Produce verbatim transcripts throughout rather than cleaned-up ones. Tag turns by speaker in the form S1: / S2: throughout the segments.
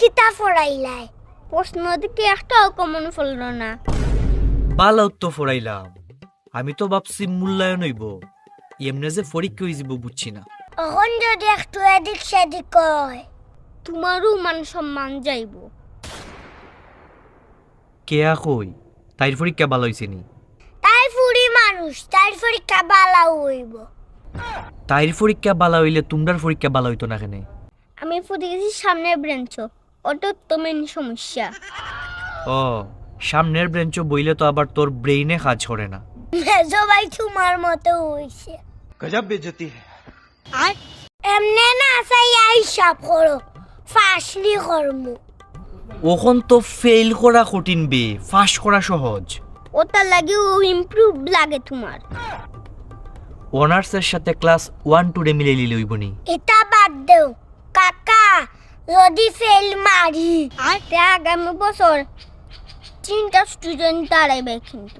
S1: কিতা পড়াইলাই প্রশ্ন দিকে একটাও কমন ফলল না।
S2: বালা তো ফরাইলাম, আমি তো ভাবছি মূল্যায়ন হইব, এমনি যে পরীক্ষা হয়ে যাব বুঝছি না।
S1: এখন যদি একটু এদিক সেদিক কয় তোমারও মান সম্মান যাইব।
S2: কেয়া কই তাইর পরীক্ষা ভালো হয়েছে নি?
S1: তাই ফুরি মানুষ তাই পরীক্ষা বালাও হইব।
S2: তাইর পরীক্ষা ভালো হইলে তোমরার পরীক্ষা ভালো হইতো না কেন?
S1: আমি ফুটে গেছি সামনের ব্রেঞ্চ, ওটা তো মেন সমস্যা।
S2: ও সামনের বেঞ্চ বইলে তো আবার তোর ব্রেইনে কাজ করে না।
S1: মেজো ভাই তোমার মতো হইছে।
S3: गजब बेइज्जती है।
S1: আর এমনে না চাই হিসাব করো ফাঁসলি কর্ম।
S2: ওখন তো ফেল করা কঠিন বে, ফাঁস করা সহজ।
S1: ওটা লাগে ও ইমপ্রুভ লাগে তোমার।
S2: অনার্সের সাথে ক্লাস ওয়ান টু রে মিলে লিলে হইবনি।
S1: এটা বাদ দেও কাকা, যদি ফেল মারি আর আগামী বছর তিনটা স্টুডেন্ট দাঁড়াইবে কিন্তু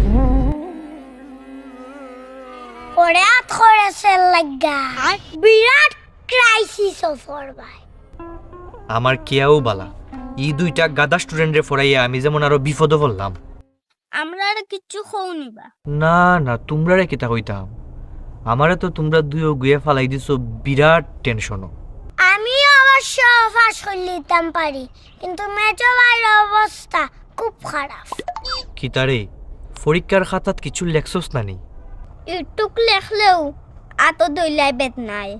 S1: পরে আত করেছে লাগা বিরাট ক্রাইসিস অফার ভাই।
S2: আমার কেয়াও বালা, ই দুইটা গাদা স্টুডেন্টরে ফরাইয়া আমি যেমন আরো বিপদে পড়লাম।
S1: আমরা আর কিচ্ছু খৌনিবা
S2: না না, তোমরা কিতা কইতাম, আমারে তো তোমরা দুইও গুয়ে ফালাই দিছো বিরাট টেনশনও।
S1: আমি অবশ্য ফাঁস করে নিতাম পারি, কিন্তু মেজো ভাইয়ের অবস্থা খুব খারাপ।
S2: কিতারে পরীক্ষার খাতাত কিছু লেখছস না নি?
S1: একটুক লেখলেও আতো দইলাই বেদ নাই।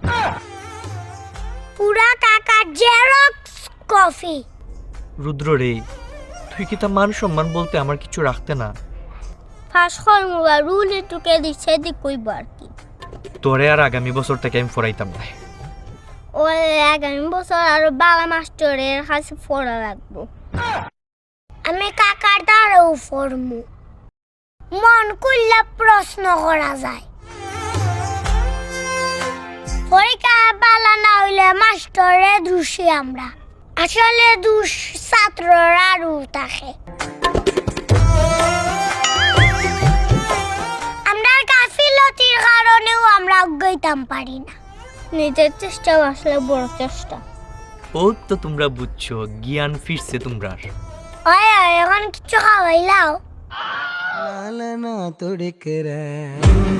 S1: পুরা কাকা জেরক্স কফি।
S2: রুদ্র রে, তুই কিতা মান সম্মান বলতে আমার কিছু রাখতে না?
S1: ফাঁস কর্মবা রুল এটুকে দিচ্ছে দিক কইব আর কি।
S2: তোরে আর আগামী বছর থেকে আমি ফরাইতাম না।
S1: ও আগামী বছর আরো বালা মাস্টারের কাছে পড়া লাগবো। আমি কাকার দ্বারাও ফরমু, মন করলে প্রশ্ন করা যায়। পরীক্ষা বালা না হইলে মাস্টারে দোষী আমরা, আসলে দোষ ছাত্ররা আরও থাকে। আমরা গাফিলতির কারণেও আমরা অজ্ঞাইতাম পারি না। নিজের চেষ্টা আসলে বড় চেষ্টা।
S2: ও তো তোমরা বুঝছো, জ্ঞান ফিরছে তোমরার।
S1: ওই ওই, এখন কিছু খাওয়াইলাও।
S3: लालना तुड़क रहा